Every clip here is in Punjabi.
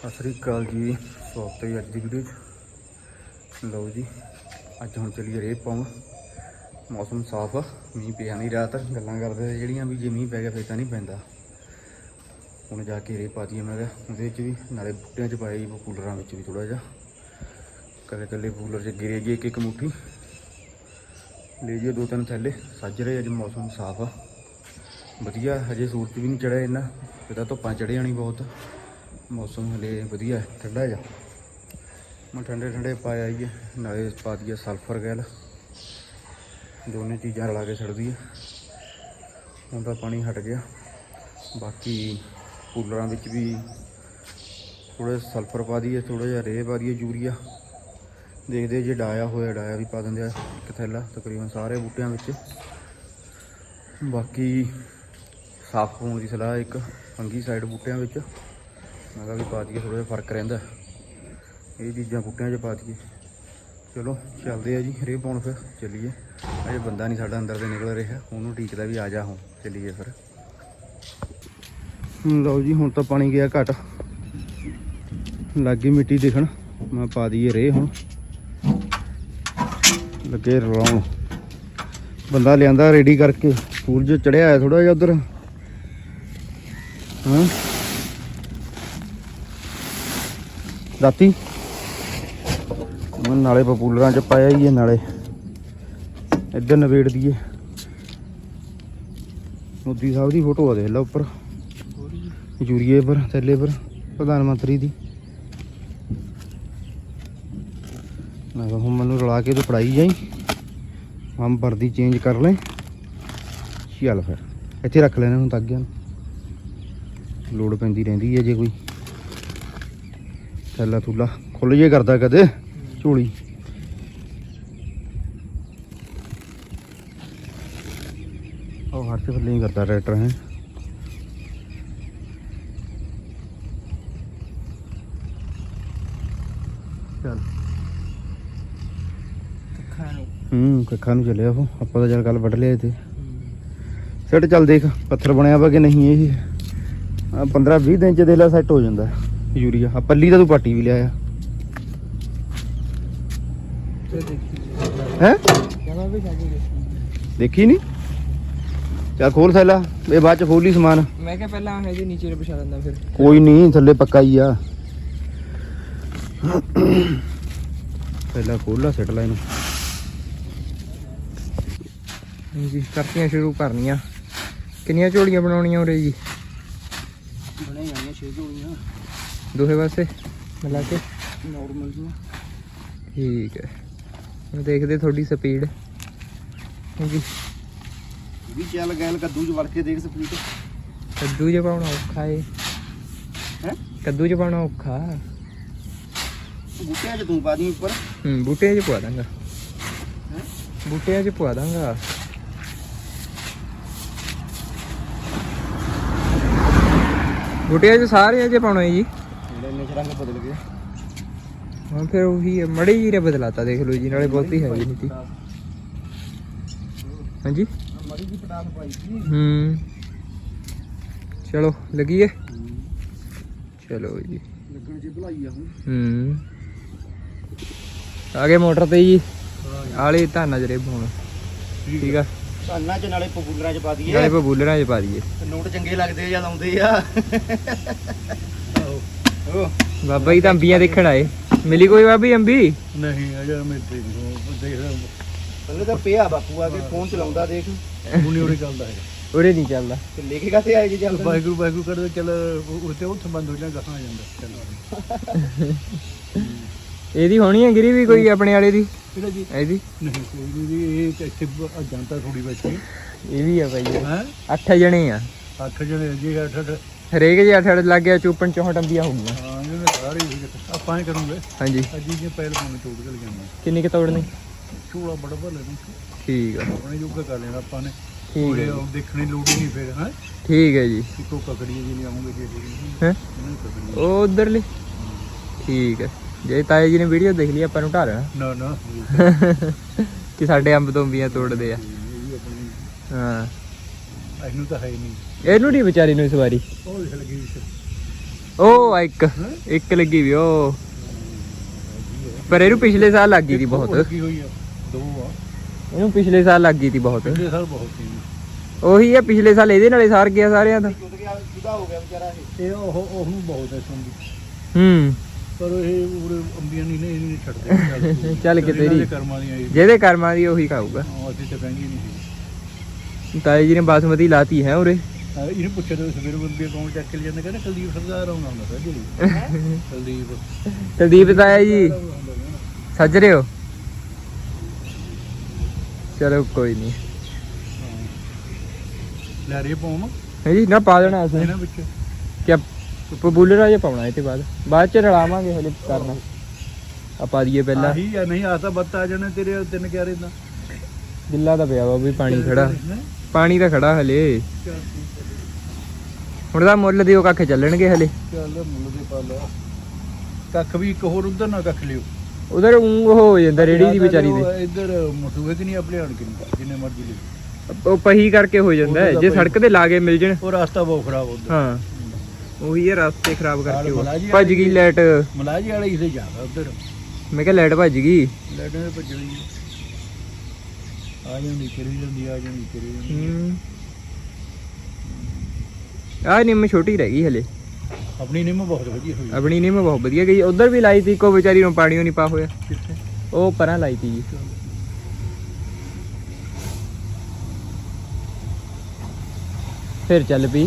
ਸਤਿ ਸ਼੍ਰੀ ਅਕਾਲ ਜੀ, ਸਵਾਗਤ ਹੈ ਅੱਜ ਦੀ ਵੀਡੀਓ 'ਚ। ਲਓ ਜੀ, ਅੱਜ ਹੁਣ ਚੱਲੀਏ ਰੇਹ ਪਾਉਣ। ਮੌਸਮ ਸਾਫ਼ ਆ, ਮੀਂਹ ਪਿਆ ਨਹੀਂ ਰਾਤ। ਗੱਲਾਂ ਕਰਦੇ ਜਿਹੜੀਆਂ ਵੀ ਜੇ ਮੀਂਹ ਪੈ ਗਿਆ ਫਿਰ ਤਾਂ ਨਹੀਂ ਪੈਂਦਾ। ਹੁਣ ਜਾ ਕੇ ਰੇਹ ਪਾ ਦਈਏ। ਮੈਂ ਕਿਹਾ ਉਹਦੇ ਵਿੱਚ ਵੀ ਨਾਲੇ ਬੂਟਿਆਂ 'ਚ ਪਾਏ ਕੂਲਰਾਂ ਵਿੱਚ ਵੀ ਥੋੜ੍ਹਾ ਜਿਹਾ ਇਕੱਲੇ ਕੂਲਰ 'ਚ ਗਿਰੇ ਜੀ ਇੱਕ ਮੁੱਠੀ ਲੈ ਜਾਈਏ 2-3 ਥੈਲੇ ਸੱਜ ਰਹੇ। ਅੱਜ ਮੌਸਮ ਸਾਫ਼ ਆ, ਵਧੀਆ। ਹਜੇ ਸੂਰਜ ਵੀ ਨਹੀਂ ਚੜਿਆ ਇੰਨਾ, ਇਹਦਾ ਧੁੱਪਾਂ ਚੜ੍ਹ ਜਾਣੀ ਬਹੁਤ। ਮੌਸਮ ਹਲੇ ਵਧੀਆ ਠੰਡਾ ਜਿਹਾ। ਮੈਂ ਠੰਡੇ ਪਾ ਆਈਏ, ਨਾਲੇ ਪਾ ਦਈਏ ਸਲਫਰ ਗੈਲ। ਦੋਨੇ ਚੀਜ਼ਾਂ ਰਲਾ ਕੇ ਛੱਡ ਦਈਏ। ਹੁਣ ਤਾਂ ਪਾਣੀ ਹਟ ਗਿਆ। ਬਾਕੀ ਕੂਲਰਾਂ ਵਿੱਚ ਵੀ ਥੋੜ੍ਹਾ ਸਲਫਰ ਪਾ ਦਈਏ, ਥੋੜ੍ਹਾ ਜਿਹਾ ਰੇਹ ਪਾ ਦਈਏ, ਯੂਰੀਆ। ਦੇਖਦੇ ਜੇ ਡਾਇਆ ਹੋਇਆ ਡਾਇਆ ਵੀ ਪਾ ਦਿੰਦੇ ਆ ਇੱਕ ਥੈਲਾ ਤਕਰੀਬਨ ਸਾਰੇ ਬੂਟਿਆਂ ਵਿੱਚ। ਬਾਕੀ ਸਾਫ਼ ਹੋਣ ਦੀ ਸਲਾਹ ਇੱਕ ਫੰਗੀ ਸਾਈਡ ਬੂਟਿਆਂ ਵਿੱਚ। ਮੈਂ ਕਿਹਾ ਵੀ ਪਾ ਦਈਏ, ਥੋੜ੍ਹਾ ਜਿਹਾ ਫਰਕ ਰਹਿੰਦਾ। ਇਹ ਚੀਜ਼ਾਂ ਬੂਟਿਆਂ 'ਚ ਪਾ ਦਈਏ। ਚਲੋ ਚੱਲਦੇ ਆ ਜੀ ਰੇਹ ਪਾਉਣ। ਫਿਰ ਚੱਲੀਏ। ਅਜੇ ਬੰਦਾ ਨਹੀਂ ਸਾਡਾ ਅੰਦਰ ਦੇ ਨਿਕਲ ਰਿਹਾ, ਉਹਨੂੰ ਢੀਕਦਾ ਵੀ ਆ ਜਾ ਹੁਣ ਚੱਲੀਏ ਫਿਰ। ਲਓ ਜੀ, ਹੁਣ ਤਾਂ ਪਾਣੀ ਗਿਆ ਘੱਟ, ਲੱਗ ਗਈ ਮਿੱਟੀ ਦਿਖਣ। ਮੈਂ ਪਾ ਦਈਏ ਰੇਹ ਹੁਣ, ਲੱਗੇ ਰਲਾਉਣ। ਬੰਦਾ ਲਿਆਂਦਾ ਰੈਡੀ ਕਰਕੇ। ਸੂਰਜ ਚੜਿਆ ਹੋਇਆ ਥੋੜ੍ਹਾ ਜਿਹਾ ਉੱਧਰ। ਹਾਂ ਰਾਤੀ ਨਾਲੇ ਪਪੂਲਰਾਂ 'ਚ ਪਾਇਆ ਹੀ ਹੈ, ਨਾਲੇ ਇੱਧਰ ਨਵੇੜ ਦੀਏ। ਮੋਦੀ ਸਾਹਿਬ ਦੀ ਫੋਟੋ ਆ ਦੇਖ ਲਾ ਉੱਪਰ ਯੂਰੀਏ ਪਰ ਥੈਲੇ ਪਰ, ਪ੍ਰਧਾਨ ਮੰਤਰੀ ਦੀ। ਮੈਂ ਕਿਹਾ ਹੁਣ ਮੈਨੂੰ ਰਲਾ ਕੇ ਤੂੰ ਫੜਾਈ ਜਾਈ, ਹਮ ਵਰਦੀ ਚੇਂਜ ਕਰ ਲੈ। ਚੱਲ ਫਿਰ ਇੱਥੇ ਰੱਖ ਲੈਣੇ ਹੁਣ ਤਾਗਿਆਂ ਨੂੰ, ਲੋੜ ਪੈਂਦੀ ਰਹਿੰਦੀ ਹੈ ਜੇ ਕੋਈ ਥੈਲਾ ਥੂਲਾ ਖੁੱਲ੍ਹ ਜੇ ਕਰਦਾ ਕਦੇ ਝੋਲੀ। ਉਹ ਹਰ ਚ ਥੱਲੇ ਹੀ ਕਰਦਾ ਟਰੈਕਟਰ ਹੈ। ਚੱਲ ਕੱਖਾਂ ਨੂੰ ਚੱਲਿਆ ਉਹ। ਆਪਾਂ ਤਾਂ ਚੱਲ ਕੱਲ ਵੱਢ ਲਿਆ ਤੇ ਸੈੱਟ। ਚੱਲ ਦੇਖ ਪੱਥਰ ਬਣਿਆ ਵਾ ਕਿ ਨਹੀਂ। ਇਹ 15-20 ਦਿਨ ਚ ਦੇਖ ਲਾ ਸੈੱਟ ਹੋ ਜਾਂਦਾ ਯੂਰੀਆ। ਆ ਪੱਲੀ ਤਾਂ ਤੂੰ ਪਾਟੀ ਵੀ ਲਿਆਇਆ ਹੈ, ਦੇਖੀ ਨੀ। ਚੱਲ ਖੋਲ ਥੈਲਾ, ਇਹ ਬਾਅਦ ਚ ਖੋਲੀ ਸਮਾਨ। ਮੈਂ ਕਿਹਾ ਪਹਿਲਾਂ ਇਹਦੇ ਨੀਚੇ ਵਿਛਾ ਦਿੰਦਾ ਫਿਰ। ਕੋਈ ਨਹੀਂ, ਥੱਲੇ ਪੱਕਾ ਹੀ ਆ। ਪਹਿਲਾਂ ਖੋਲ ਲਾ, ਸਿੱਟ ਲਾ ਇਹਨੂੰ ਜੀ। ਕਰਤੀਆਂ ਸ਼ੁਰੂ ਕਰਨੀਆਂ। ਕਿੰਨੀਆਂ ਝੋਲੀਆਂ ਬਣਾਉਣੀਆਂ ਉਰੇ ਜੀ? ਬਣੇ ਜਾਣੀਆਂ 6 ਝੋਲੀਆਂ ਦੋਹੇ ਪਾਸੇ ਮਿਲਾ ਕੇ ਨੋਰਮਲ ਜੀ। ਠੀਕ ਹੈ, ਹੁਣ ਦੇਖਦੇ ਤੁਹਾਡੀ ਸਪੀਡ ਜੀ। ਵੀ ਚੱਲ ਗੈਲ ਕੱਦੂ 'ਚ ਵੜ ਕੇ ਦੇਖ ਸਪੀਡ। ਕੱਦੂ 'ਚ ਪਾਉਣਾ ਔਖਾ ਏ ਹੈ, ਕੱਦੂ 'ਚ ਪਾਉਣਾ ਔਖਾ। ਬੂਟਿਆਂ 'ਚ ਤੂੰ ਪਾ ਦੀ ਉੱਪਰ। ਬੂਟਿਆਂ 'ਚ ਪਵਾ ਦਾਂਗਾ, ਬੂਟਿਆਂ 'ਚ ਪਵਾ ਦਾਂਗਾ। ਬੂਟਿਆਂ 'ਚ ਸਾਰੇ ਅਜੇ ਪਾਉਣਾ ਜੀ। ਇੰਨੇ ਚ ਰੰਗ ਬਦਲ ਗਏ। ਹਾਂ ਫਿਰ ਉਹੀ ਮੜੇ ਜੀ ਰੇ ਬਦਲਾਤਾ, ਦੇਖ ਲਓ ਜੀ। ਨਾਲੇ ਬਹੁਤੀ ਹੈਗੀ ਨਹੀਂ ਤੀ। ਹਾਂਜੀ ਮੜੀ ਦੀ ਪਟਾਸ ਪਾਈ ਸੀ। ਚਲੋ ਲੱਗੀਏ। ਚਲੋ ਜੀ, ਲੱਗਣ ਚ ਭਲਾਈ ਆ ਹੁਣ। ਆ ਗਏ ਮੋਟਰ ਤੇ ਜੀ। ਆਲੇ ਧਾਨਾਂ ਚ ਰੇ ਪਾਉਣ। ਠੀਕ ਆ, ਧਾਨਾਂ ਚ ਨਾਲੇ ਪਪੂਲਰਾਂ ਚ ਪਾ ਦਈਏ, ਨਾਲੇ ਬਬੂਲਰਾਂ ਚ ਪਾ ਦਈਏ। ਨੋਟ ਚੰਗੇ ਲੱਗਦੇ ਆ ਜਦ ਆਉਂਦੇ ਆ। ਬਾਬਾ ਜੀ ਤਾਂ ਅੰਬੀਆਂ ਦੇਖਣ ਆਏ। ਮਿਲੀ ਕੋਈ ਬਾਬੀ ਅੰਬੀ? ਨਹੀਂ ਅਜੇ ਮਿਲਦੇ ਨਹੀਂ। ਪਹਿਲੇ ਤਾਂ ਪਿਆ ਬਾਪੂ ਆ ਕੇ ਫੋਨ ਚਲਾਉਂਦਾ ਦੇਖ। ਹੁਣੇ ਉਰੇ ਚੱਲਦਾ ਹੈ, ਉਰੇ ਨਹੀਂ ਚੱਲਦਾ। ਤੇ ਲੈ ਕੇ ਕਾਤੇ ਆਏ ਜੀ? ਚੱਲ ਵਾਹਿਗੁਰੂ ਕਰਦੇ ਚੱਲ ਉੱਤੇ ਉੱਥੇ ਬੰਦ ਹੋ ਜਾਂਦਾ, ਗਾਹਾਂ ਆ ਜਾਂਦਾ। ਇਹਦੀ ਹੋਣੀ ਹੈ ਗਿਰੀ ਵੀ ਕੋਈ ਆਪਣੇ ਵਾਲੇ ਦੀ? ਕਿਹੜਾ ਜੀ? ਇਹਦੀ ਨਹੀਂ ਕੋਈ ਨਹੀਂ, ਇਹ ਇੱਥੇ ਜਾਂਦਾ ਥੋੜੀ ਬੈਠੀ। ਇਹ ਵੀ ਆ ਭਾਈ। ਹੈ 8 ਜਣੇ ਆ। 8 ਜਣੇ ਜੀ। 8 ਹਰੇਕ ਜੇ 8 ਲੱਗ ਗਿਆ, 54 ਅੰਬੀਆਂ ਹੋ ਗਈਆਂ। ਹਾਂ ਇਹਨੇ ਸਾਰੇ ਆਪਾਂ ਹੀ ਕਰੂੰਗੇ। ਹਾਂਜੀ, ਅੱਜ ਜੇ ਪਹਿਲ ਪਾਉਣੇ ਤੋੜ ਕੇ ਲਿਆਉਣਾ। ਕਿੰਨੀ ਕੁ ਤੋੜਨੀ? ਝੋਲਾ ਬੜਾ ਭਰ ਲੈਣਾ, ਠੀਕ ਆ, ਆਪਣੇ ਜੋਗਾ ਕਰ ਲੈਣਾ ਆਪਾਂ ਨੇ। ਠੀਕ ਹੈ, ਦੇਖਣੀ ਲੋੜ ਹੀ ਨਹੀਂ ਫਿਰ। ਹੈ ਠੀਕ ਹੈ ਜੀ। ਇੱਕੋ ਕਕੜੀਆਂ ਜੀ ਲਿਆਉਂਗੇ ਜੇ ਹੈ ਉਹ ਉਧਰਲੀ। ਠੀਕ ਹੈ, ਜੇ ਤਾਏ ਜੀ ਨੇ ਵੀਡੀਓ ਦੇਖ ਲਈ ਆਪਾਂ ਨੂੰ ਢਾ ਲੈਣਾ ਨਾ ਨਾ ਕਿ ਸਾਡੇ ਅੰਬ ਤੋਂ ਅੰਬੀਆਂ ਤੋੜਦੇ ਆ। ਇਹ ਵੀ ਆਪਣੀ ਹਾਂ ਇਹਨੂੰ ਤਾਂ ਹੈ ਹੀ ਨਹੀਂ। ਇਹਨੂੰ ਨਹੀਂ ਵਿਚਾਰੀ ਨੂੰ ਇਸ ਵਾਰੀ। ਉਹ ਦੇਖ ਲੱਗੀ ਉਹ ਆ ਇੱਕ ਲੱਗੀ ਵੀ ਉਹ ਪਰ ਇਹਨੂੰ ਪਿਛਲੇ ਸਾਲ ਲੱਗ ਗਈ ਸੀ ਬਹੁਤ ਲੱਗੀ ਹੋਈ ਆ 2 ਆ ਇਹਨੂੰ ਪਿਛਲੇ ਸਾਲ ਲੱਗ ਗਈ ਸੀ ਬਹੁਤ ਪਿਛਲੇ ਸਾਲ ਬਹੁਤ ਸੀ ਉਹੀ ਆ ਪਿਛਲੇ ਸਾਲ ਇਹਦੇ ਨਾਲੇ ਸਾਰ ਗਿਆ ਸਾਰਿਆਂ ਦਾ ਜੁਦਾ ਹੋ ਗਿਆ ਵਿਚਾਰਾ ਇਹ ਉਹਨੂੰ ਬਹੁਤ ਐ ਸੁਣਦੀ ਹੂੰ ਪਰ ਇਹ ਉਰੇ ਅੰਬੀਆਂ ਨਹੀਂ ਛੱਡਦੇ ਚੱਲ ਕਿਤੇ ਇਹਨਾਂ ਦੇ ਨਹੀਂ ਕਰਮਾਂ ਦੀਆਂ ਇਹ ਜਿਹਦੇ ਕਰਮਾਂ ਦੀ ਉਹੀ ਖਾਊਗਾ ਅਸੀਂ ਤਾਂ ਕਹਿੰਦੀ ਨਹੀਂ ਸੀ ਤਾਏ ਜੀ ਨੇ ਬਾਸਮਤੀ ਲਾਤੀ ਹੈ ਉਰੇ ਇਹਨੂੰ ਪੁੱਛਿਆ ਤਾਂ ਸਵੇਰੇ ਬੰਬੀ ਅਕਾਊਂਟ ਚੱਕ ਕੇ ਲੈ ਜਾਂਦੇ ਕਹਿੰਦੇ ਕੁਲਦੀਪ ਸਰਦਾਰ ਆਉਂਦਾ ਹੁੰਦਾ ਪਹਿਲੇ ਕੁਲਦੀਪ ਤਾਇਆ ਜੀ ਸੱਜ ਰਹੇ ਹੋ ਚਲੋ ਕੋਈ ਨਹੀਂ ਲੈ ਰੇ ਪੌਮ ਹੈ ਜੀ ਨਾ ਪਾ ਦੇਣਾ ਅਸੀਂ ਇਹਨਾਂ ਵਿੱਚ ਕਿ ਪਪੂਲਰ ਜੇ ਪਾਉਣਾ ਇਹ ਤੇ ਬਾਅਦ ਚ ਰਲਾਵਾਂਗੇ ਹਲੇ ਕਰਨਾ ਆ ਪਾ ਦਈਏ ਪਹਿਲਾਂ ਆਹੀ ਆ ਨਹੀਂ ਆਸਾ ਬੱਤ ਆ ਜਾਣੇ ਤੇਰੇ 3 ਕਿਆਰੇ ਦਾ ਗਿੱਲਾ ਤਾਂ ਪਿਆ ਵਾ ਵੀ ਪਾਣੀ ਖੜਾ ਪਾਣੀ ਤਾਂ ਖੜਾ ਹਲੇ ਹੁਣ ਤਾਂ ਮੁੱਲ ਦਿਓ ਕੱਖ ਚੱਲਣਗੇ ਹਲੇ ਚੱਲ ਮੁੱਲ ਦੇ ਪਾ ਲਾ ਕੱਖ ਵੀ ਇੱਕ ਹੋਰ ਉਧਰ ਨਾ ਕੱਖ ਲਿਓ ਉਧਰ ਹੋ ਜਾਂਦਾ ਰੇੜੀ ਦੀ ਵਿਚਾਰੀ ਦੇ ਇੱਧਰ ਮਸੂਏ ਕਿ ਨਹੀਂ ਆਪਣੇ ਆਣ ਕੇ ਜਿੰਨੇ ਮਰਜ਼ੀ ਲਿਓ ਉਹ ਪਹੀ ਕਰਕੇ ਹੋ ਜਾਂਦਾ ਜੇ ਸੜਕ ਤੇ ਲਾਗੇ ਮਿਲ ਜਣ ਉਹ ਰਸਤਾ ਬਹੁਤ ਖਰਾਬ ਹੁੰਦਾ ਹਾਂ ਉਹੀ ਹੈ ਰਸਤੇ ਖਰਾਬ ਕਰਕੇ ਮਲਾਜੀ ਭੱਜ ਗਈ ਲਾਈਟ ਮਲਾਜੀ ਵਾਲੇ ਇਸੇ ਜਾਗਾ ਉਧਰ ਮੈਂ ਕਿਹਾ ਲਾਈਟ ਭੱਜ ਗਈ ਲੈਟਾਂ ਦੇ ਭੱਜ ਰਹੀ ਆ ਜਾਂਦੀ ਕਰੀ ਜਾਂਦੀ ਆ ਜਾਂਦੀ ਕਰੀ ਜਾਂਦੀ ਆਹ ਨਿੰਮ ਛੋਟੀ ਰਹਿ ਗਈ ਹਲੇ ਆਪਣੀ ਨਿੰਮ ਬਹੁਤ ਵਧੀਆ ਹੋਈ ਆਪਣੀ ਨਿੰਮ ਬਹੁਤ ਵਧੀਆ ਗਈ ਉਧਰ ਵੀ ਲਾਈ ਸੀ ਕੋ ਵਿਚਾਰੀ ਨੂੰ ਪਾਣੀ ਨਹੀਂ ਪਾ ਹੋਇਆ ਕਿੱਥੇ ਉਹ ਪਰਾਂ ਲਾਈ ਤੀ ਜੀ ਫਿਰ ਚੱਲ ਪਈ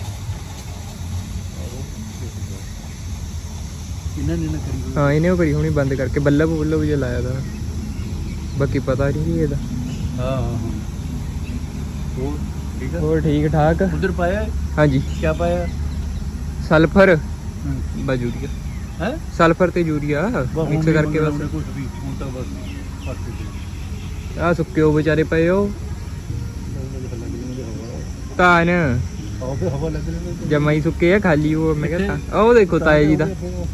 ਇਹਨਾਂ ਨੇ ਨਾ ਕਰੀ ਹੋਈ ਹਾਂ ਇਹਨੇ ਉਹ ਕਰੀ ਹੁਣੀ ਬੰਦ ਕਰਕੇ ਬੱਲਬ ਜੇ ਲਾਇਆ ਦਾ ਬਾਕੀ ਪਤਾ ਨਹੀਂ ਇਹਦਾ ਹਾਂ ਹੋਰ ਠੀਕ ਆ ਹੋਰ ਠੀਕ ਠਾਕ ਉਧਰ ਪਾਇਆ ਹਾਂਜੀ ਕੀ ਪਾਇਆ ਸਲਫਰ ਯੂਰੀਆ ਹੈ ਸਲਫਰ ਤੇ ਯੂਰੀਆ ਮਿਕਸ ਕਰਕੇ ਬਸ ਕੁਝ ਵੀ ਹੁਣ ਤਾਂ ਬਸ ਫਰਕ ਆ ਸੁੱਕੇ ਉਹ ਵਿਚਾਰੇ ਪਏ ਉਹ ਤਾਂ ਨਾ ਆਹ ਫੇ ਹਵਾ ਲੱਗ ਰਹੀ ਜਮਾ ਹੀ ਸੁੱਕੇ ਆ ਖਾਲੀ ਉਹ ਮੈਂ ਕਹਿੰਦਾ ਉਹ ਦੇਖੋ ਤਾਏ ਜੀ ਦਾ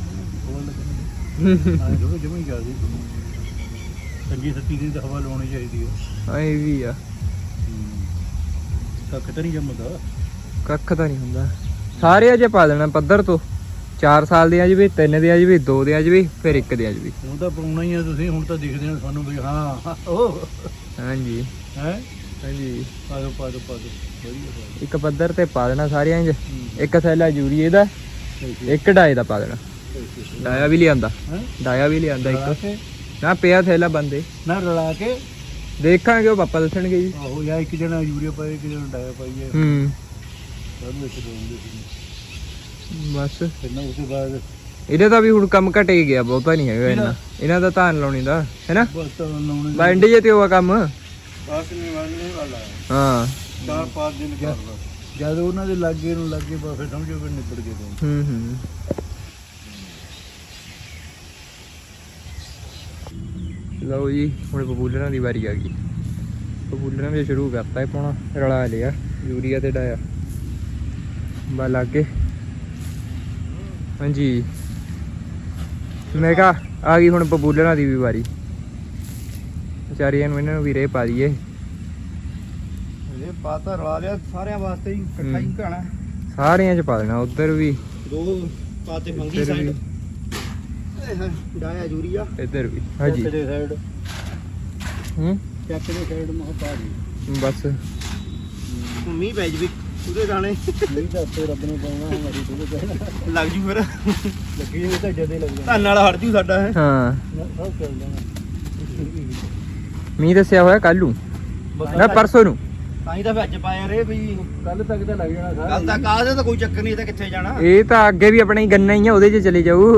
ਜਮਾ ਹੀ ਜਾਂਦੀ ਚੰਗੀ ਸੱਤੀ ਦੀ ਤਾਂ ਹਵਾ ਲਾਉਣੀ ਚਾਹੀਦੀ ਹੈ ਐ ਵੀ ਆ ਕੱਖ ਤਾਂ ਨਹੀਂ ਜੰਮਦਾ ਕੱਖ ਤਾਂ ਨਹੀਂ ਹੁੰਦਾ ਸਾਰੇ ਅਜੇ ਪਾ ਦੇਣਾ ਪੱਧਰ ਤੋਂ 4 ਸਾਲ ਦੇ ਆ ਜਵੇ 3 ਦੇ ਆ ਜਵੇ 2 ਦੇ ਆ ਜਵੇ ਫਿਰ 1 ਦੇ ਆ ਜਵੇ ਹੁਣ ਤਾਂ ਪਾਉਣਾ ਹੀ ਆ ਤੁਸੀਂ ਹੁਣ ਤਾਂ ਦਿਖਦੇ ਨੇ ਸਾਨੂੰ ਵੀ ਹਾਂ ਉਹ ਹਾਂਜੀ ਹੈ ਹਾਂਜੀ ਪਾ ਦੋ ਵਧੀਆ ਪਾ ਦਿਓ। ਇੱਕ ਪੱਧਰ ਤੇ ਪਾ ਦੇਣਾ ਸਾਰਿਆਂ 'ਚ ਇੱਕ ਥੈਲਾ ਯੂਰੀਏ ਦਾ ਇੱਕ ਡਾਏ ਦਾ ਪਾ ਦੇਣਾ ਡਾਇਆ ਵੀ ਲਿਆਂਦਾ ਹੈਂ? ਡਾਇਆ ਵੀ ਲਿਆਂਦਾ ਰਲਾ ਇੱਕ ਕੇ ਨਾ ਪਿਆ ਥੈਲਾ ਬੰਦੇ ਨਾ ਰਲਾ ਕੇ ਦੇਖਾਂਗੇ ਉਹ ਪਾਪਾ ਦੱਸਣਗੇ ਜੀ ਆਹੋ ਜਾਂ ਇੱਕ ਜਣਾ ਯੂਰੀਆ ਪਾਏ ਇੱਕ ਜਣਾ ਡਾਇਆ ਪਾਈਏ ਹੂੰ ਸਾਨੂੰ ਇੱਕ ਦੋਗੇ ਬਸ ਫਿਰ ਨਾ ਉਸ ਤੋਂ ਬਾਅਦ ਇਹਦੇ ਦਾ ਵੀ ਹੁਣ ਕੰਮ ਘਟੇ ਗਿਆ ਬਹੁਤਾ ਨਹੀਂ ਹੈਗਾ ਇਹਨਾਂ ਦਾ ਧਾਨ ਲਾਉਣੀ ਦਾ ਹੈਨਾ ਬਸ ਤਾਂ ਲਾਉਣੇ ਬਾਇੰਡ ਜੇ ਤੇ ਹੋਆ ਕੰਮ ਬਾਸ ਨਹੀਂ ਵਾਲੇ ਵਾਲਾ ਹਾਂ 4-5 ਦਿਨ ਕਰ ਲਾ ਜਦ ਉਹਨਾਂ ਦੇ ਲਾਗੇ ਨੂੰ ਲੱਗੇ ਬਸ ਫਿਰ ਸਮਝੋ ਵੀ ਨਿਬੜ ਗਏ ਦੋਵੇਂ। ਹੂੰ ਲਓ ਜੀ ਹੁਣ ਪਪੂਲਰਾਂ ਦੀ ਵਾਰੀ ਆ ਗਈ ਪਪੂਲਰਾਂ ਵੀ ਸ਼ੁਰੂ ਕਰਤਾ ਹੈ ਪਾਉਣਾ ਰਲਾ ਲਿਆ ਯੂਰੀਆ ਤੇ ਡਾਇਆ ਬਾ ਲਾਗੇ ਹਾਂਜੀ ਮੈਂ ਕਿਹਾ ਆ ਗਈ ਹੁਣ ਪਪੂਲਰਾਂ ਦੀ ਵੀ ਵਾਰੀ ਵਿਚਾਰੀਆਂ ਨੂੰ ਇਹਨਾਂ ਨੂੰ ਵੀ ਰੇ ਪਾ ਦਈਏ ਇਹ ਪਾਤਾ ਰਲਾ ਲਿਆ ਸਾਰਿਆਂ ਵਾਸਤੇ ਹੀ ਇਕੱਠਾ ਹੀ ਘਾਣਾ ਸਾਰਿਆਂ ਚ ਪਾ ਦੇਣਾ ਉਧਰ ਵੀ 2 ਪਾਤੇ ਮੰਗੀ ਇੱਧਰ ਸਾਈਡ ਵੀ ਡਾਇਆ ਯੂਰੀਆ ਇੱਧਰ ਵੀ ਹਾਂਜੀ ਚੱਕ ਦੇ ਸਾਈਡ ਹੂੰ ਚੱਕ ਦੇ ਸਾਈਡ ਮਾ ਪਾ ਦੀ ਬਸ ਮੀਂਹ ਪੈ ਜਵੇ ਉਹਦੇ ਦਾਣੇ ਨਹੀਂ ਤਾਂ ਉੱਤੇ ਰੱਬ ਨੇ ਪਾਉਣਾ ਹਮਾਰੀ ਤੋਂ ਕਹਿਣਾ ਲੱਗ ਜੂ ਫਿਰ ਲੱਗੀ ਹੋਈ ਤਾਂ ਜਦੇ ਲੱਗ ਧੰਨ ਨਾਲ ਹਟ ਜੂ ਸਾਡਾ ਹੈ ਹਾਂ ਸਭ ਚੱਲ ਜਾਣਾ ਮੀਂਹ ਦੱਸਿਆ ਹੋਇਆ ਕੱਲ ਨੂੰ ਨਾ ਪਰਸੋਂ ਨੂੰ ਤਾਂ ਹੀ ਤਾਂ ਫਿਰ ਅੱਜ ਪਾਇਆ ਰੇ ਵੀ ਕੱਲ ਤੱਕ ਤਾਂ ਲੱਗ ਜਾਣਾ ਕੱਲ ਤੱਕ ਆ ਜਾ ਤਾਂ ਕੋਈ ਚੱਕਰ ਨਹੀਂ ਤਾਂ ਕਿੱਥੇ ਜਾਣਾ ਇਹ ਤਾਂ ਅੱਗੇ ਵੀ ਆਪਣਾ ਹੀ ਗੰਨਾ ਹੀ ਆ ਉਹਦੇ 'ਚ ਚਲੇ ਜਾਊ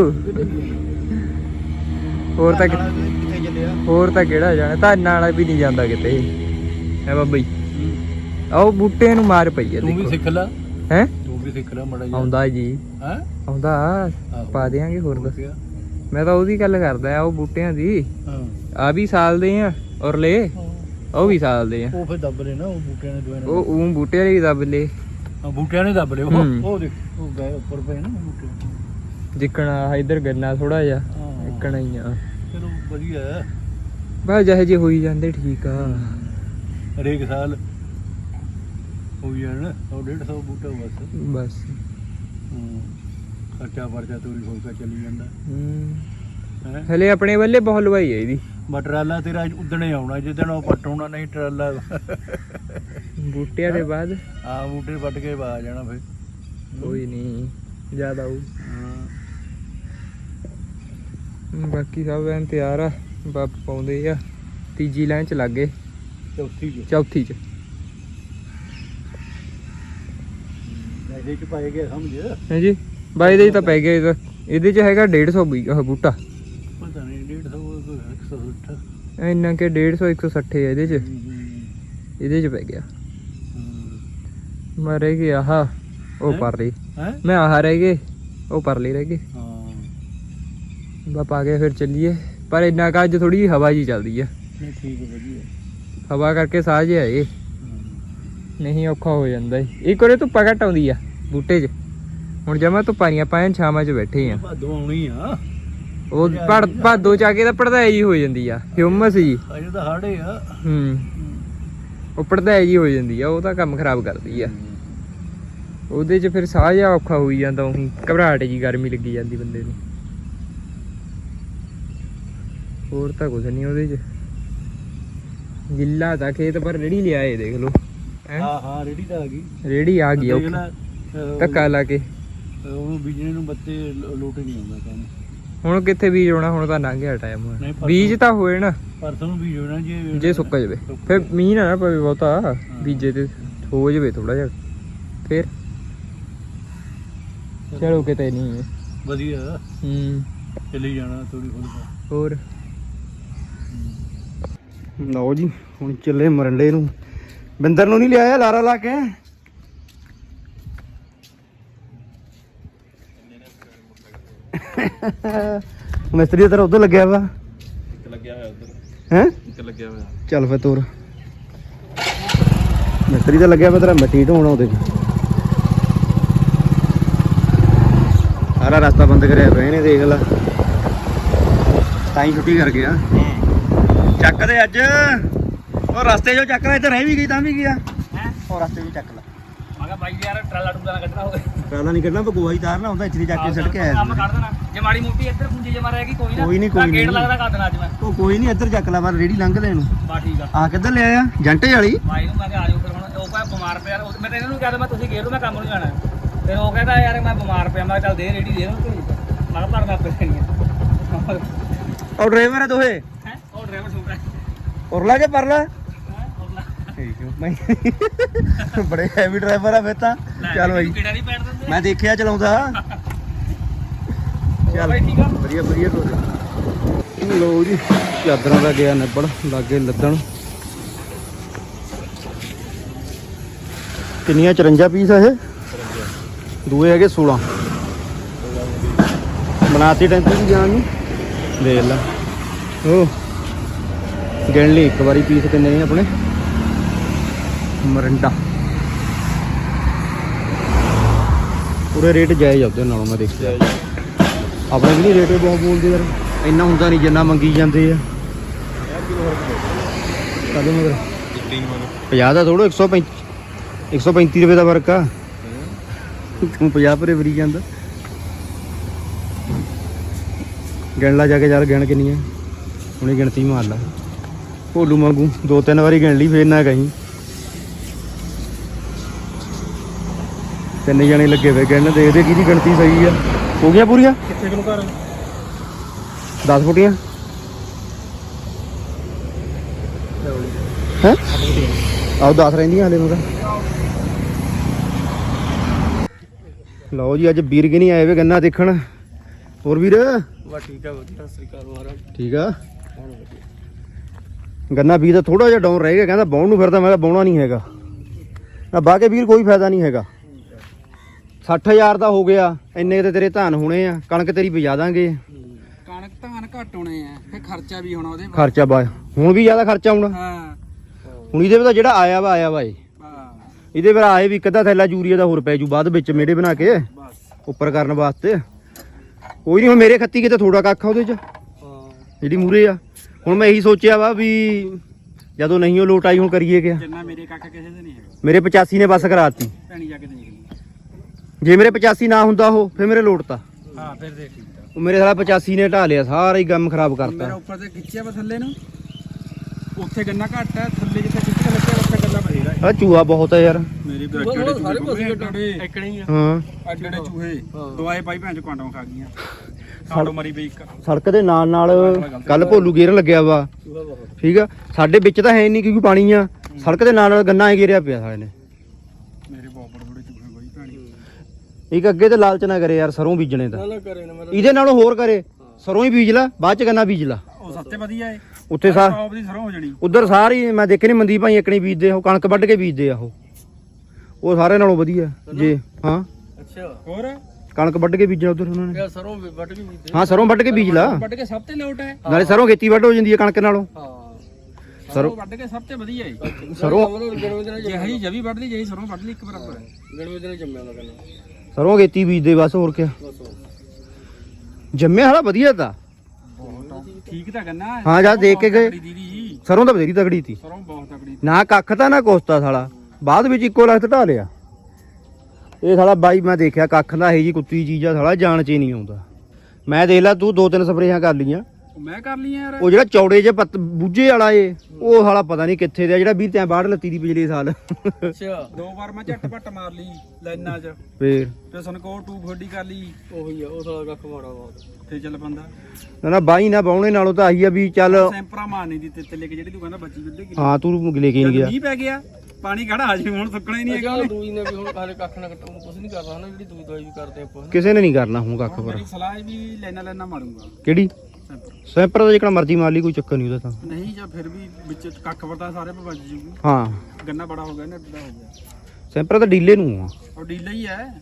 ਹੋਰ ਤਾਂ ਧੰਨ ਨਾਲ ਕਿੱਥੇ ਚੱਲਿਆ ਹੋਰ ਤਾਂ ਕਿਹੜਾ ਜਾਣਾ ਧਾਨ ਵਾਲਾ ਵੀ ਨਹੀਂ ਜਾਂਦਾ ਕਿਤੇ ਹੈ ਬਾਬਾ ਜੀ ਆਓ ਬੂਟੇ ਨੂੰ ਮਾਰ ਪਈ ਆ ਤੂੰ ਵੀ ਦੇਖੋ ਸਿੱਖ ਲੈ ਹੈ ਤੂੰ ਵੀ ਸਿੱਖ ਲੈ ਮੜਾ ਆਉਂਦਾ ਜੀ ਹੈ ਆਉਂਦਾ ਪਾ ਦਿਆਂਗੇ ਹੋਰ ਦੱਸ ਮੈਂ ਤਾਂ ਉਹਦੀ ਗੱਲ ਕਰਦਾ ਆ ਉਹ ਬੂਟਿਆਂ ਦੀ ਹਾਂ ਆ ਵੀ ਸਾਲ ਦੇ ਆ ਔਰਲੇ ਉਹ ਵੀ ਸਾਲ ਦੇ ਆ ਉਹ ਫਿਰ ਦੱਬ ਲੈ ਨਾ ਉਹ ਬੂਟਿਆਂ ਨੇ ਦੋਵੇਂ ਉਹ ਬੂਟੇ ਵਾਲੇ ਵੀ ਦੱਬ ਲੇ ਹਾਂ ਬੂਟਿਆਂ ਨੇ ਦੱਬ ਲਏ ਹੂੰ। ਉਹ ਦੇਖ ਉਹ ਗਏ ਉੱਪਰ ਪਏ ਨਾ ਬੂਟੇ ਜਿੱਕਣਾ ਇਧਰ ਗੰਨਾ ਥੋੜਾ ਜਿਹਾ ਹਾਂ ਇੱਕਣਾ ਹੀ ਆ ਚਲੋ ਵਧੀਆ ਹੈ ਬਸ ਜਿਹੇ ਜੇ ਹੋਈ ਜਾਂਦੇ ਠੀਕ ਆ ਹਰੇਕ ਸਾਲ ਹੋ ਜਾਣ 100-150 ਬੂਟਾ ਬਸ ਬਸ ਖਰਚਾ ਵਰਚਾ ਤੋਰੀ ਫੁਲਕਾ ਚੱਲੀ ਜਾਂਦਾ ਹੈ। ਹਲੇ ਆਪਣੇ ਵੱਲੇ ਬਹੁਤ ਲਵਾਈ ਹੈ ਇਹਦੀ। ਬਟ ਟਰਾਲਾ ਤੇਰਾ ਉਦਣੇ ਆਉਣਾ ਜਿੱਦਣ ਉਹ ਪਟਾਉਣਾ ਨਹੀਂ ਟਰਾਲਾ ਬੂਟਿਆਂ ਦੇ ਬਾਅਦ ਹਾਂ ਬੂਟੇ ਵੱਟ ਕੇ ਆ ਜਾਣਾ ਫਿਰ ਕੋਈ ਨਹੀਂ ਜ਼ਿਆਦਾ ਉਹ। ਹਾਂ ਬਾਕੀ ਸਭ ਐਨ ਤਿਆਰ ਆ। ਬੱਪ ਪਾਉਂਦੇ ਆ। ਤੀਜੀ ਲਾਈਨ ਚ ਲੱਗ ਗਏ। ਚੌਥੀ ਚ ਇਹਦੇ ਚ ਪਾਏ ਗਏ ਸਮਝ ਹਾਂਜੀ ਬਾਈ ਦੇ ਤਾਂ ਪੈ ਗਿਆ। ਇਹਦੇ ਚ ਹੈਗਾ 150 ਬੂਟਾ। ਪਤਾ ਨਹੀਂ 150 160 ਇੰਨਾ ਕਿ 150 160 ਹੈ ਇਹਦੇ ਚ। ਇਹਦੇ ਚ ਪੈ ਗਿਆ। ਮੈਂ ਰਹਿ ਗਿਆ ਆਹ ਉਹ ਪਰ ਲਈ ਮੈਂ ਆਹ ਰਹਿ ਗਏ ਉਹ ਪਰ ਲਈ ਰਹਿ ਗਏ। ਬਸ ਆ ਗਏ ਫਿਰ ਚੱਲੀਏ। ਪਰ ਇੰਨਾ ਕੁ ਅੱਜ ਥੋੜੀ ਜਿਹੀ ਹਵਾ ਜੀ ਚੱਲਦੀ ਆ। ਨਹੀਂ ਠੀਕ ਵਧੀਆ ਹਵਾ ਕਰਕੇ ਸਾਹ ਜਿਹਾ ਇਹ ਨਹੀਂ ਔਖਾ ਹੋ ਜਾਂਦਾ ਇੱਕ ਵਾਰੇ ਧੁੱਪਾ ਘੱਟ ਆਉਂਦੀ ਆ ਬੂਟੇ 'ਚ। ਹੁਣ ਜਮਾ ਧੁੱਪਾਂ ਪਾਇਆਂ ਛਾਵਾਂ 'ਚ ਬੈਠੇ ਆ। ਭਾਦੋਂ ਆਉਣੀ ਆ ਉਹ ਭਾਦੋ ਚ ਆ ਕੇ ਤਾਂ ਪੜਦਾਈ ਜੀ ਹੋ ਜਾਂਦੀ ਆ ਹਿਊਮਸ ਜੀ। ਅਜੇ ਤਾਂ ਹਾੜੇ ਆ ਉਹ ਪੜਦਾਈ ਜੀ ਹੋ ਜਾਂਦੀ ਆ। ਉਹ ਤਾਂ ਕੰਮ ਖਰਾਬ ਕਰਦੀ ਆ। ਉਹਦੇ 'ਚ ਫਿਰ ਸਾਹ ਜਿਹਾ ਔਖਾ ਹੋਈ ਜਾਂਦਾ। ਉਹੀ ਘਬਰਾਹਟ ਜੀ ਗਰਮੀ ਲੱਗੀ ਜਾਂਦੀ ਬੰਦੇ ਨੂੰ। ਹੋਰ ਤਾਂ ਕੁਝ ਨਹੀਂ ਉਹਦੇ 'ਚ। ਗਿੱਲਾ ਤਾਂ ਖੇਤ ਪਰ ਰੇੜੀ ਲਿਆਏ ਦੇਖ ਲਓ। ਹਾਂ ਰੇੜੀ ਤਾਂ ਆ ਗਈ। ਰੇੜੀ ਆ ਗਈ ਧੱਕਾ ਲਾ ਕੇ। ਉਹਨੂੰ ਬੀਜਣੇ ਨੂੰ ਬੱਤੇ ਲੋਟ ਨਹੀਂ ਆਉਂਦਾ ਕੰਮ। ਹੁਣ ਕਿੱਥੇ ਬੀਜ ਹੋਣਾ। ਹੁਣ ਤਾਂ ਲੰਘ ਗਿਆ ਟਾਈਮ। ਬੀਜ ਤਾਂ ਹੋਏ ਨਾ ਪਰਸੋਂ ਨੂੰ ਬੀਜ ਹੋਣਾ ਜੇ ਸੁੱਕ ਜਾਵੇ ਫਿਰ ਮੀਂਹ ਨਾ ਪਵੇ ਬਹੁਤਾ ਬੀਜੇ ਤੇ ਹੋ ਜਾਵੇ ਥੋੜਾ ਜਿਹਾ ਫਿਰ ਚਲੋ ਕਿਤੇ ਨਹੀਂ ਵਧੀਆ ਚੱਲੀ ਜਾਣਾ ਥੋੜੀ ਫੁਲਕਾ ਹੋਰ। ਲਓ ਜੀ ਹੁਣ ਚੱਲੇ ਮਰੰਡੇ ਨੂੰ। ਬਿੰਦਰ ਨੂੰ ਨਹੀਂ ਲਿਆਇਆ ਲਾਰਾ ਲਾ ਕੇ। ਮਿਸਤਰੀ ਤੇਰਾ ਉਧਰ ਲੱਗਿਆ ਵਾ। ਲੱਗਿਆ ਹੋਇਆ ਉਧਰ ਹੈ ਲੱਗਿਆ ਹੋਇਆ। ਚੱਲ ਫੇ ਤੋਰ। ਮਿਸਤਰੀ ਤਾਂ ਲੱਗਿਆ ਵਾ ਤੇਰਾ ਮਿੱਟੀ ਢੋਣਾ ਉਹਦੇ ਸਾਰਾ ਰਸਤਾ ਬੰਦ ਕਰਿਆ ਪਿਆ ਇਹਨੇ ਦੇਖ ਲਾ। ਤਾਂ ਹੀ ਛੁੱਟੀ ਕਰ ਗਿਆ। ਚੱਕ ਦੇ ਅੱਜ ਉਹ ਰਸਤੇ 'ਚੋਂ ਚੱਕ ਲੈ। ਇੱਥੇ ਰਹਿ ਵੀ ਗਈ ਤਾਂ ਵੀ ਗਿਆ ਉਹ ਰਸਤੇ 'ਚੋਂ ਚੱਕ ਲੈ। ਮੈਂ ਕਿਹਾ ਬਾਈ ਯਾਰ ਟਰਾਲਾ ਟੂਲਾ ਕੱਢਣਾ ਹੋਵੇ। ਟਰਾਲਾ ਨਹੀਂ ਕੱਢਣਾ ਗੋਆ ਹੀ ਤਾਰਨਾ ਹੁੰਦਾ। ਇੱਥੇ ਚੱਕ ਕੇ ਸੜਕ ਆਇਆ ਕੰਮ ਕੱਢ ਦੇਣਾ। ਜੇ ਮਾੜੀ ਮੋਟੀ ਇੱਧਰ ਪੁੰਜੀ ਜਮਾ ਰਹਿ ਗਈ ਕੋਈ ਨਾ। ਕੋਈ ਨਹੀਂ ਗੇਟ ਲੱਗਦਾ ਕਰ ਦੇਣਾ ਅੱਜ ਮੈਂ। ਉਹ ਕੋਈ ਨਹੀਂ ਇੱਧਰ ਚੱਕ ਲੈ ਪਰ ਰੇੜੀ ਲੰਘ ਲੈ ਇਹਨੂੰ। ਬਸ ਠੀਕ ਆ। ਆ ਕਿੱਧਰ ਲਿਆ ਆ ਜੰਟੇ ਵਾਲੀ ਬਾਈ ਨੂੰ ਮੈਂ ਕਿਹਾ ਆ ਜਾਓ ਫਿਰ। ਹੁਣ ਉਹ ਭਾਵੇਂ ਬਿਮਾਰ ਪਿਆ। ਮੈਂ ਤਾਂ ਇਹਨਾਂ ਨੂੰ ਕਹਿੰਦਾ ਮੈਂ ਤੁਸੀਂ ਗੇਟ ਨੂੰ ਮੈਂ ਕੰਮ ਨੂੰ ਜਾਣਾ। ਫਿਰ ਉਹ ਕਹਿੰਦਾ ਯਾਰ ਮੈਂ ਬਿਮਾਰ ਪਿਆ। ਮੈਂ ਚੱਲ ਦੇ ਰੇੜੀ ਦੇ ਇਹਨੂੰ ਮੈਂ ਕਿਹਾ ਭਰਨਾ ਪੈਣੀ ਆ। ਉਹ ਡਰਾਈਵਰ ਹੈ ਦੋਹੇ ਹੈ ਉਹ ਡਰਾਈਵਰ ਛੋਟਾ ਉਰਲਾ ਕੇ ਪਰਲਾ ਬੜੇ ਹੈਵੀ ਡਰਾਈਵਰ ਆ ਫਿਰ ਤਾਂ। ਚੱਲ ਬਾਈ ਕਿਹੜਾ ਨਹੀਂ ਪੈਣ ਦਿੰਦੇ। ਮੈਂ ਦੇਖਿਆ ਚਲਾਉਂਦਾ। ਚੱਲ ਵਧੀਆ ਵਧੀਆ ਤੋਰੇ। ਲੋ ਜੀ ਚਾਦਰਾਂ ਦਾ ਗਿਆ ਨਿਬੜ ਲਾਗੇ ਲੱਦਣ। ਕਿੰਨੀਆਂ 54 ਪੀਸ ਆ ਇਹ। ਦੂਏ ਹੈਗੇ 16 ਬਣਾਤੀ ਟੈਂਪੂ ਦੀ ਜਾਣ ਨੂੰ। ਦੇਖ ਲਾ ਉਹ ਗਿਣ ਲਈ ਇੱਕ ਵਾਰੀ ਪੀਸ ਕਿੰਨੇ ਨੇ ਆਪਣੇ। ਮਰੰਡਾ ਪੂਰੇ ਰੇਟ ਜਾਇਜ਼ ਆ ਉਹਦੇ ਨਾਲੋਂ ਮੈਂ ਦੇਖਿਆ। ਆਪਣੇ ਵੀ ਨਹੀਂ ਰੇਟ ਬਹੁਤ ਬੋਲਦੇ ਯਾਰ। ਇੰਨਾ ਹੁੰਦਾ ਨਹੀਂ ਜਿੰਨਾ ਮੰਗੀ ਜਾਂਦੇ ਆ। ਕਦੋਂ ਮਗਰ 50 ਦਾ ਥੋੜੋ 135 ਰੁਪਏ ਦਾ ਫਰਕ ਆ। ਤੂੰ 50 ਰੁਪਏ ਵਰੀ ਜਾਂਦਾ। ਗਿਣ ਲਾ ਜਾ ਕੇ ਯਾਰ। ਗਿਣ ਕਿੰਨੀ ਆ ਹੁਣੇ ਗਿਣਤੀ ਮਾਰ ਲਾ। ਭੋਲੂ ਵਾਂਗੂ 2-3 ਵਾਰੀ ਗਿਣ ਲਈ ਫੇਰ ਨਾ ਕਹੀਂ। 3 ਜਣੇ ਲੱਗੇ ਹੋਏ ਗਿਣਨ। ਦੇਖਦੇ ਕਿਹਦੀ ਗਿਣਤੀ ਸਹੀ ਆ। ਹੋ ਗਿਆ ਪੂਰੀਆਂ ਕਿੱਥੇ ਕਿਲੋ ਘਰ 10 ਫੁੱਟੀਆਂ ਹੈ। ਆਓ 10 ਰਹਿੰਦੀਆਂ ਹਲੇ ਮੇਰਾ। ਲਓ ਜੀ ਅੱਜ ਵੀਰ ਕਿ ਨਹੀਂ ਆਏ ਵੇ ਗੰਨਾ ਦੇਖਣ। ਹੋਰ ਵੀਰ ਵਾ ਠੀਕ ਆ ਵਧੀਆ। ਸਤਿ ਸ੍ਰੀ ਅਕਾਲ ਮਹਾਰਾਜ। ਠੀਕ ਆ। ਗੰਨਾ ਵੀਰ ਦਾ ਥੋੜਾ ਜਿਹਾ ਡਾਊਨ ਰਹਿ ਗਿਆ। ਕਹਿੰਦਾ ਬਾਉਣ ਨੂੰ ਫਿਰਦਾ। ਮੈਂ ਕਿਹਾ ਬਾਉਣਾ ਨਹੀਂ ਹੈਗਾ ਨਾ। ਬਾਹ ਕੇ ਵੀਰ ਕੋਈ ਫਾਇਦਾ ਨਹੀਂ ਹੈਗਾ। 60,000 ਦਾ ਹੋ ਗਿਆ। ਇੰਨੇ ਤੇ ਤੇਰੇ ਧਾਨ ਹੋਣੇ ਆ। ਕਣਕ ਤੇਰੀ ਬਜਾ ਦਾਂਗੇ। ਕਣਕ ਧਾਨ ਘੱਟ ਹੋਣੇ ਆ ਫਿਰ ਖਰਚਾ ਵੀ ਹੋਣਾ ਉਹਦੇ। ਖਰਚਾ ਬਾ ਹੁਣ ਵੀ ਜ਼ਿਆਦਾ ਖਰਚਾ ਆਉਣਾ। ਹਾਂ ਹੁਣ ਇਹਦੇ ਵਿੱਚ ਜਿਹੜਾ ਆਇਆ ਵਾ ਏ। ਇਹਦੇ ਫਿਰ ਆਏ ਵੀ ਇੱਕ ਅੱਧਾ ਥੈਲਾ ਯੂਰੀਆ ਦਾ ਹੋਰ ਪੈ ਜੂ ਬਾਅਦ ਵਿੱਚ ਮੇੜੇ ਬਣਾ ਕੇ ਉੱਪਰ ਕਰਨ ਵਾਸਤੇ। ਕੋਈ ਨਹੀਂ ਹੁਣ ਮੇਰੇ ਖੱਤੀ ਕਿਤੇ ਥੋੜਾ ਕੱਖ ਆ ਉਹਦੇ 'ਚ ਜਿਹੜੀ ਮੂਰੇ ਆ। ਹੁਣ ਮੈਂ ਇਹੀ ਸੋਚਿਆ ਵਾ ਵੀ ਜਦੋਂ ਨਹੀਂ ਉਹ ਲੋਟ ਆਈ ਹੁਣ ਕਰੀਏ ਕਿਆ। ਜਿੰਨਾ ਮੇਰੇ ਕੱਖ ਕਿਸੇ ਦੇ ਨਹੀਂ ਹੈਗਾ। ਮੇਰੇ 85 ਨੇ ਬਸ ਕਰਾਤੀ। ਭੈਣੀ ਜਾ ਕੇ ਦੇਖ ਲਈ। ਜੇ ਮੇਰੇ 85 ਨਾ ਹੁੰਦਾ ਉਹ ਫਿਰ ਮੇਰੇ ਲੋਟ ਤਾ। ਹਾਂ ਫਿਰ ਦੇ ਠੀਕ ਆ ਉਹ ਮੇਰੇ ਸਾਲਾ 85 ਨੇ ਢਾ ਲਿਆ ਸਾਰਾ ਹੀ ਕੰਮ ਖਰਾਬ ਮੇਰਾ ਕਰਤਾ ਉੱਪਰ ਤੇ ਖਿੱਚਿਆ ਵਾ ਥੱਲੇ ਨੂੰ ਉੱਥੇ ਗੰਨਾ ਘੱਟ ਹੈ ਥੱਲੇ ਜਿੱਥੇ ਖਿੱਚ ਕੇ ਲੱਗਿਆ ਉੱਥੇ ਗੰਨਾ ਬਥੇਰਾ ਹੈ ਆ ਚੂਹਾ ਬਹੁਤ ਹੈ ਯਾਰ ਮੇਰੇ ਵੀ ਅੱਡੇ ਸਾਰੇ ਪਾਸੇ ਇੱਕਣੇ ਹੀ ਆ ਹਾਂ ਅੱਡੇ ਚੂਹੇ ਦਵਾਈ ਪਾਈ ਭੈਣ ਚ ਕੁਆਂਟਾਂ ਖਾ ਗਈਆਂ ਸਾਡੋ ਮਰੀ ਬਈ ਇੱਕ ਸੜਕ ਦੇ ਨਾਲ ਨਾਲ ਕੱਲ ਭੋਲੂ ਗੇਰ ਲੱਗਿਆ ਵਾ ਠੀਕ ਆ ਸਾਡੇ ਵਿੱਚ ਤਾਂ ਹੈ ਨਹੀਂ ਕਿਉਂਕਿ ਪਾਣੀ ਆ ਸੜਕ ਦੇ ਨਾਲ ਨਾਲ ਗੰਨਾ ਹੀ ਗੇਰਿਆ ਪਿਆ ਸਾਲੇ ਨੇ ਮੇਰੇ ਬਹੁਤ ਬੜੇ ਚੂਹੇ ਬਾਈ ਭੈਣੀ ਇੱਕ ਅੱਗੇ ਤੇ ਲਾਲਚ ਨਾ ਕਰੇ ਯਾਰ ਸਰੋਂ ਬੀਜਣੇ ਤਾਂ ਇਹਦੇ ਨਾਲੋਂ ਹੋਰ ਕਰੇ ਸਰੋਂ ਹੀ ਬੀਜ ਲਾ ਬਾਅਦ ਚ ਗੰਨਾ ਬੀਜ ਲਾ ਉਹ ਸਭ ਤੋਂ ਵਧੀਆ ਏ ਉੱਥੇ ਟੌਪ ਦੀ ਸਰੋਂ ਹੋ ਜਣੀ ਉਧਰ ਸਾਰੀ ਮੈਂ ਦੇਖੇ ਨੀ ਮੰਦੀ ਭਾਈ ਇਕਣੀ ਬੀਜਦੇ ਉਹ ਕਣਕ ਵੱਢ ਕੇ ਬੀਜਦੇ ਆ ਉਹ ਸਾਰੇ ਨਾਲੋਂ ਵਧੀਆ ਜੇ ਹਾਂ ਅੱਛਾ ਹੋਰ ਕਣਕ ਵੱਢ ਕੇ ਬੀਜਣਾ ਉਧਰ ਉਹਨਾਂ ਨੇ ਸਰੋਂ ਵੱਢ ਕੇ ਬੀਜਦੇ ਹਾਂ ਸਰੋਂ ਵੱਢ ਕੇ ਬੀਜ ਲਾ ਵੱਢ ਕੇ ਸਭ ਤੋਂ ਲੋਟ ਹੈ ਨਾਲੇ ਸਰੋਂ ਖੇਤੀ ਵੱਢ ਹੋ ਜਾਂਦੀ ਹੈ ਕਣਕ ਨਾਲੋਂ ਹਾਂ ਸਰੋਂ ਵੱਢ ਕੇ ਸਭ ਤੋਂ ਵਧੀਆ ਏ ਸਰੋਂ ਜਿਹੀ ਜਵੀ ਵੱਢ ਲਈ ਜਿਹੀ ਸਰੋਂ ਵੱਢ ਲਈ ਇੱਕ ਬਰਾਬਰ ਹੈ ਗਣਵੇਂ ਦਿਨ ਜੰਮਿਆ ਉਹਦਾ ਕਹਿੰਦਾ ਸਰੋਂ ਖੇਤੀ ਬੀਜਦੇ ਬਸ ਹੋਰ ਕਿਆ ਜੰਮਿਆ ਹਾਲਾ ਵਧੀਆ ਤਾਂ ਠੀਕ ਤਾਂ ਕਰਨਾ ਹਾਂ ਜਾ ਦੇਖ ਕੇ ਗਏ ਸਰੋਂ ਤਾਂ ਬਥੇਰੀ ਤਗੜੀ ਤੀ ਸਰੋਂ ਬਹੁਤ ਤਕੜੀ ਨਾ ਕੱਖ ਤਾਂ ਨਾ ਕੋਸਤਾ ਸਾਲਾ ਬਾਅਦ ਵਿੱਚ ਇੱਕੋ ਲੱਖ ਢਾ ਲਿਆ ਇਹ ਸਾਲਾ ਬਾਈ ਮੈਂ ਦੇਖਿਆ ਕੱਖ ਦਾ ਇਹ ਜੀ ਕੁੱਤੀ ਚੀਜ਼ ਆ ਸਾਲਾ ਜਾਣ ਚ ਹੀ ਨਹੀਂ ਆਉਂਦਾ ਮੈਂ ਦੇਖ ਲਾ ਤੂੰ 2-3 ਸਪਰੇਆਂ ਕਰ ਲਈਆਂ ਮੈਂ ਕਰ ਲਈ ਯਾਰ ਉਹ ਜਿਹੜਾ ਚੌੜੇ ਜੇ ਬੂਝੇ ਵਾਲਾ ਏ ਉਹ ਸਾਲਾ ਪਤਾ ਨਹੀਂ ਕਿੱਥੇ ਦਾ ਜਿਹੜਾ 20 ਬਾੜ ਲੱਤੀ ਦੀ ਪਿਛਲੇ ਸਾਲ ਅੱਛਾ 2 ਵਾਰ ਮੈਂ ਝੱਟ ਮਾਰ ਲਈ ਲਾਈਨਾਂ 'ਚ ਫੇਰ ਤੇ ਸਨਕੋਰ ਟੂਬ ਫੋਡੀ ਕਰ ਲਈ ਉਹੀ ਆ ਉਹ ਸਾਲਾ ਕੱਖ ਮਾੜਾ ਬਹੁਤ ਤੇ ਚੱਲ ਬੰਦਾ ਨਾ ਬਾਈ ਨਾ ਬਾਉਣੇ ਨਾਲੋਂ ਤਾਂ ਆਹੀ ਆ ਵੀ ਚੱਲ ਸੈਂਪਰਾ ਮਾਰਨੀ ਦੀ ਤੇ ਲੈ ਕੇ ਜਿਹੜੀ ਤੂੰ ਕਹਿੰਦਾ ਬੱਚੀ ਵਿੱਦੇ ਕਿ ਹਾਂ ਤੂੰ ਲੈ ਕੇ ਨਹੀਂ ਗਿਆ ਮੀਂਹ ਪੈ ਗਿਆ ਪਾਣੀ ਖੜਾ ਆ ਜੀ ਹੁਣ ਸੁੱਕਣਾ ਹੀ ਨਹੀਂ ਹੈਗਾ ਦੂਈ ਨੇ ਵੀ ਹੁਣ ਹਾਲੇ ਕੱਖ ਨਾ ਕੱਟੂ ਕੁਝ ਨਹੀਂ ਕਰਦਾ ਹਨਾ ਜਿਹੜੀ ਦੂਈ ਦਵਾਈ ਵੀ ਕਰਦੇ ਆਪਾਂ ਕਿਸੇ ਨੇ ਨਹੀਂ ਕਰਨਾ ਹੁਣ ਕੱਖ ਪਰ ਮੇਰੀ ਸਲਾਹ ਹੈ ਵੀ ਲੈਣਾ ਮਾਰੂੰਗਾ ਕਿਹੜੀ ਸੈਂਪਰ ਦਾ ਜਿਹੜਾ ਮਰਜ਼ੀ ਮਾਰ ਲਈ ਕੋਈ ਚੱਕਰ ਨਹੀਂ ਉਹਦਾ ਤਾਂ ਨਹੀਂ ਜਾਂ ਫਿਰ ਵੀ ਵਿੱਚ ਕੱਖ ਵਰਤਾ ਸਾਰੇ ਪੇ ਵੱਜ ਜੂਗੀ ਹਾਂ ਗੰਨਾ ਬੜਾ ਹੋ ਗਿਆ ਨਾ ਅੱਡਾ ਹੋ ਗਿਆ ਸੈਂਪਰ ਤਾਂ ਡੀਲੇ ਨੂੰ ਆ ਉਹ ਡੀਲਾ ਹੀ ਹੈ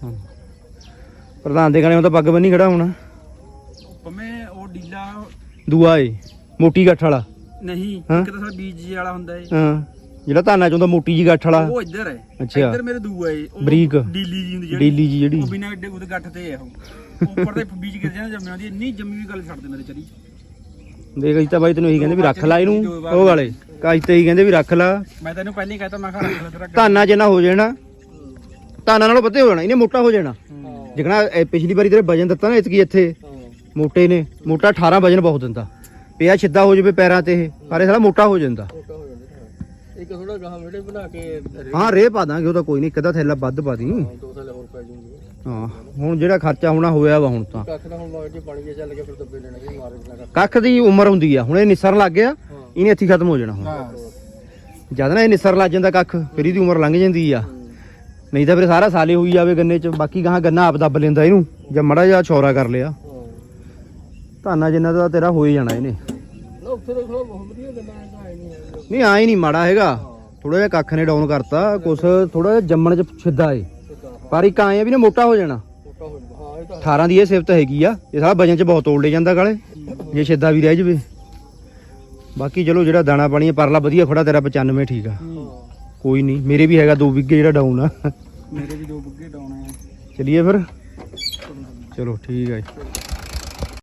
ਪ੍ਰਧਾਨ ਦੇ ਗਾਣੇ ਉਹ ਤਾਂ ਪੱਗ ਬੰਨੀ ਖੜਾ ਹੋਣਾ ਭਵੇਂ ਉਹ ਡੀਲਾ ਦੂਆ ਏ ਮੋਟੀ ਗੱਠ ਵਾਲਾ ਨਹੀਂ ਇੱਕ ਤਾਂ ਸਾਡਾ ਬੀਜ ਜੀ ਵਾਲਾ ਹੁੰਦਾ ਏ ਹਾਂ ਜਿਹੜਾ ਧਾਨਾ ਚ ਹੁੰਦਾ ਮੋਟੀ ਜੀ ਗੱਠ ਵਾਲਾ ਉਹ ਇੱਧਰ ਹੈ ਅੱਛਾ ਇੱਧਰ ਮੇਰੇ ਦੂਆ ਏ ਉਹ ਬਰੀਕ ਡੀਲੀ ਜੀ ਹੁੰਦੀ ਡੀਲੀ ਜੀ ਜਿਹੜੀ ਉਹ ਬਿਨਾਂ ਏਡੇ ਉਹਦੇ ਗੱਠ ਤੇ ਹੈ ਉਹ ਉੱਪਰ ਤੇ ਬੀਜ ਗਿਰ ਜਾਂਦਾ ਜੰਮਿਆਂ ਦੀ ਇੰਨੀ ਜੰਮੀ ਵੀ ਗੱਲ ਛੱਡ ਦੇ ਮੇਰੇ ਚਰੀ ਦੇਖ ਅਸੀਂ ਤਾਂ ਬਾਈ ਤੈਨੂੰ ਇਹੀ ਕਹਿੰਦੇ ਵੀ ਰੱਖ ਲਾ ਇਹਨੂੰ ਉਹ ਵਾਲੇ ਕਾਜ ਤੇ ਇਹੀ ਕਹਿੰਦੇ ਵੀ ਰੱਖ ਲਾ ਮੈਂ ਤੈਨੂੰ ਪਹਿਲਾਂ ਹੀ ਕਹਤਾ ਮੈਂ ਕਿਹਾ ਰੱਖ ਲੈ ਤੇਰਾ ਧਾਨਾ ਜਿੰਨਾ ਹੋ ਜਾਣਾ ਧਾਨਾ ਨਾਲੋਂ ਵੱਧੇ ਹੋ ਜਾਣਾ ਇਹਨੇ ਮੋਟਾ ਹੋ ਜਾਣਾ ਜਿਕਣਾ ਪਿਛਲੀ ਵਾਰੀ ਤੇਰੇ ਵਜਨ ਦਿੱਤਾ ਨਾ ਇਤਕੀ ਇੱਥੇ ਮੋਟੇ ਨੇ ਮੋਟਾ 18 ਵਜਨ ਬਹੁਤ ਦਿੰਦਾ ਪਿਆ ਸਿੱਧਾ ਹੋ ਜਾਵੇ ਪੈਰਾਂ ਤੇ ਇਹ ਪਰ ਇਹ ਸਾਲਾ ਮੋਟਾ ਹੋ ਜਾਂਦਾ ਇੱਕ ਥੋੜਾ ਗਾਹ ਵੀਡੀਓ ਬਣਾ ਕੇ ਹਾਂ ਰੇ ਪਾ ਦਾਂਗੇ ਉਹ ਤਾਂ ਕੋਈ ਨਹੀਂ ਇੱਕ ਅੱਧਾ ਥੈਲਾ ਵੱਧ ਪਾ ਦੀ 2 ਸਾਲ ਹੋਰ ਪੈ ਜੂਗੀ ਹਾਂ ਹੁਣ ਜਿਹੜਾ ਖਰਚਾ ਹੋਣਾ ਹੋਇਆ ਵਾ ਹੁਣ ਤਾਂ ਕੱਖ ਦਾ ਹੁਣ ਮਗਰ ਜੇ ਪਾਣੀ ਜੇ ਚੱਲ ਗਿਆ ਫਿਰ ਦੱਬੇ ਲੈਣਾ ਕਿ ਮਾਰੇ ਬਿਨਾ ਕੱਖ ਦੀ ਉਮਰ ਹੁੰਦੀ ਆ ਹੁਣ ਇਹ ਨਿਸਰਨ ਲੱਗ ਗਿਆ ਇਹਨੇ ਇੱਥੇ ਖਤਮ ਹੋ ਜਾਣਾ ਹੁਣ ਜਦ ਨਾ ਇਹ ਨਿਸਰ ਲੱਗ ਜਾਂਦਾ ਕੱਖ ਫਿਰ ਇਹਦੀ ਉਮਰ ਲੰਘ ਜਾਂਦੀ ਆ ਨਹੀਂ ਤਾਂ ਫਿਰ ਸਾਰਾ ਸਾਲੇ ਹੋਈ ਜਾਵੇ ਗੰਨੇ ਚ ਬਾਕੀ ਗਾਹਾਂ ਗੰਨਾ ਆਪ ਦੱਬ ਲੈਂਦਾ ਇਹਨੂੰ ਜਾਂ ਮੜਾ ਜਿਹਾ ਛੋਰਾ ਕਰ ਲਿਆ ਧਾਨਾ ਜਿੰਨਾ ਦਾ ਤੇਰਾ ਹੋ ਹੀ ਜਾਣਾ ਇਹਨੇ ਨਾ ਉੱਥੇ ਤਾਂ ਖਲੋ ਬਹੁਤ ਵਧੀਆ ਗੱਲਾਂ ਆਏ ਨਹੀਂ ਨਹੀਂ ਆਏ ਨਹੀਂ ਮਾੜਾ ਹੈਗਾ ਥੋੜਾ ਜਿਹਾ ਕੱਖ ਨੇ ਡਾਊਨ ਕਰਤਾ ਕੁਛ ਥੋੜਾ ਜਿਹਾ ਜੰਮਣ ਚ ਸਿੱਧਾ ਏ ਪਰ ਇੱਕ ਆਏ ਆ ਵੀ ਨੇ ਮੋਟਾ ਹੋ ਜਾਣਾ ਮੋਟਾ ਹੋ ਜਾਂਦਾ ਹਾਂ ਇਹ ਤਾਂ 18 ਦੀ ਇਹ ਸਿਫਤ ਹੈਗੀ ਆ ਇਹ ਸਾਲਾ ਵਜਨ ਚ ਬਹੁਤ ਤੋੜ ਲੈ ਜਾਂਦਾ ਕਾਲੇ ਜੇ ਸਿੱਧਾ ਵੀ ਰਹਿ ਜਵੇ ਬਾਕੀ ਚਲੋ ਜਿਹੜਾ ਦਾਣਾ ਪਾਣੀ ਪਰਲਾ ਵਧੀਆ ਖੜਾ ਤੇਰਾ 95 ਠੀਕ ਆ ਕੋਈ ਨਹੀਂ ਮੇਰੇ ਵੀ ਹੈਗਾ 2 ਵਿਗੇ ਜਿਹੜਾ ਡਾਊਨ ਆ ਮੇਰੇ ਵੀ 2 ਬੁੱਗੇ ਡਾਉਣੇ ਆ ਚਲਿਏ ਫਿਰ ਚਲੋ ਠੀਕ ਆ ਜੀ